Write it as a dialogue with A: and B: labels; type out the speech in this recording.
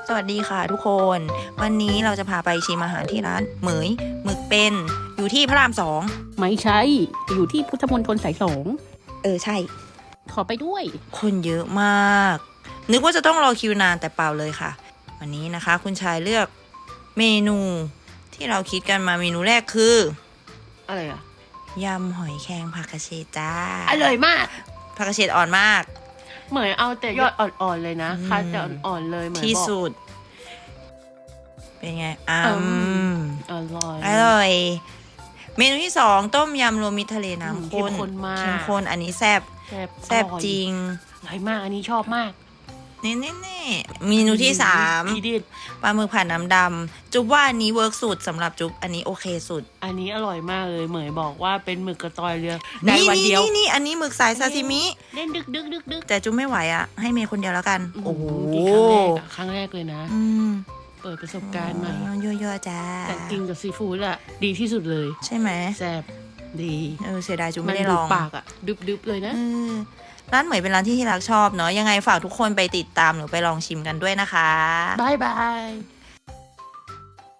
A: สวัสดีค่ะทุกคน วันนี้เราจะพาไปชิมอาหารที่ร้านเหมยหมึกเป็นอยู่ที่พระรามสอง
B: ไม่ใช่อยู่ที่พุทธมณฑลสายสอง
A: ใช่
B: ขอไปด้วย
A: คนเยอะมาก นึกว่าจะต้องรอคิวนานแต่เปล่าเลยค่ะ วันนี้นะคะ คุณชายเลือกเมนูที่เราคิดกันมาเมนูแรกคือ
B: อะไรอ่ะ
A: ยำหอยแครงผักกระเฉดจ้า
B: อร่อยมาก
A: ผักกระเฉดอ่อนมาก
B: เหมยเอาแต่ยอดอ่อนๆเลยนะคัดแต่อ่อนๆเลยเหมย
A: ที่
B: บอก
A: สุด เป็นไง
B: อร่อย
A: อร่อย เมนูที่สองต้มยำรวมมิตรทะเลน้ำข้น
B: เข้มข้นมาก
A: เข้มข้นอันนี้แซ่บ แซ่บจริง
B: อร่อยมากอันนี้ชอบมาก
A: นี่เมนูที่สาม
B: ทีเด็ด
A: ปลาหมึกผัดน้ำดำจุ๊บว่าอันนี้เวิร์กสุดสำหรับจุ๊บอันนี้โอเคสุด
B: อันนี้อร่อยมากเลยเหมยบอกว่าเป็นหมึกกระตอยเรือได้วันเดียว
A: นี่อันนี้หมึกสายซาซิมิ
B: เล่นดึก
A: แต่จุ๊บไม่ไหวอ่ะ ให้เมย์คนเดียวแล้วกัน โอ้โห
B: กินครั้งแรกเลยนะ
A: อืม
B: เปิดประสบการณ์ใหม่
A: ยั่วๆจ้า
B: แต่กินกับซีฟู้ดอะดีที่สุดเลย
A: ใช่ไหม
B: แซ่บดี
A: เสียดายจุ๊บ
B: มั
A: ไม่ได้
B: ดู
A: ลอง
B: ปากอะดึบเลยนะ
A: ร้านเหมยเป็นร้านที่รักชอบเนาะยังไงฝากทุกคนไปติดตามหรือไปลองชิมกันด้วยนะคะ
B: บาย